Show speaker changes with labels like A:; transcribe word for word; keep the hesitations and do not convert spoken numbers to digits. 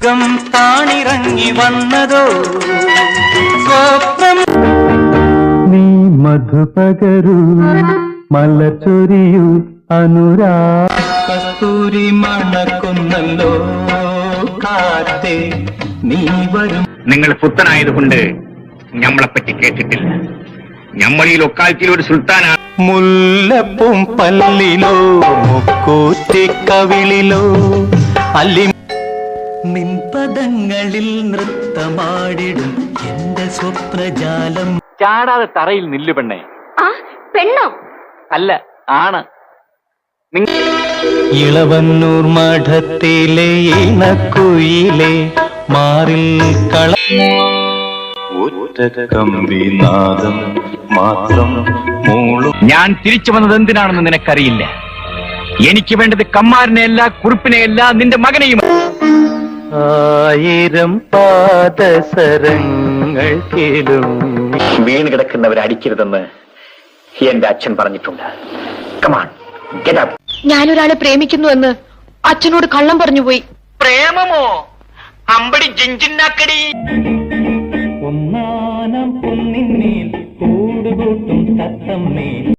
A: സ്വർഗം താണിറങ്ങി വന്നതോ സ്വപ്നം. നീ മധുപകരു മലച്ചൊരിയു അനുരാ കസ്തൂരി മണക്കുന്നല്ലോ കാറ്റേ നീ വരും.
B: നിങ്ങൾ പുത്തനായതുകൊണ്ട് ഞമ്മളെപ്പറ്റി കേട്ടിട്ടില്ല. ഞമ്മൾ ഈ ലൊക്കാലിറ്റിയിൽ ഒരു സുൽത്താനാണ്.
A: മുല്ലപ്പും പല്ലിലോ മുക്കൂറ്റിക്കവിളിലോ അല്ലി നിൻപദങ്ങളിൽ നൃത്തമാടിടും എന്റെ സ്വപ്നജാലം.
C: ചാടാതെ തറയിൽ നില്ലു പെണ്ണേ.
D: ആ പെണ്ണോ?
C: അല്ല, ആണ്.
A: ഇളവന്നൂർ മഠത്തിലെ ഇണക്കുയിലെ മാറിൽ കള കമ്പിനാദം മാത്രം മൂളും.
B: ഞാൻ തിരിച്ചു വന്നത് എന്തിനാണെന്ന് നിനക്കറിയില്ല. എനിക്ക് വേണ്ടത് കമ്മാരനെയല്ല, കുറിപ്പിനെയല്ല, നിന്റെ മകനെയും.
A: ആയിരം പാദസരങ്ങൾ കേളും.
B: വീണ് കിടക്കുന്നവരെ അടിക്കരുതെന്ന് എന്റെ അച്ഛൻ പറഞ്ഞിട്ടുണ്ട്. Come on, get up.
D: ഞാനൊരാളെ പ്രേമിക്കുന്നു എന്ന് അച്ഛനോട് കള്ളം പറഞ്ഞുപോയി.
B: പ്രേമമോ? അമ്പടി ജിഞ്ചിന്നാക്കടി.
A: ഒന്നാനം പൊന്നിന്മേൽ കൂടുകൂട്ടും തത്തമ്മേൽ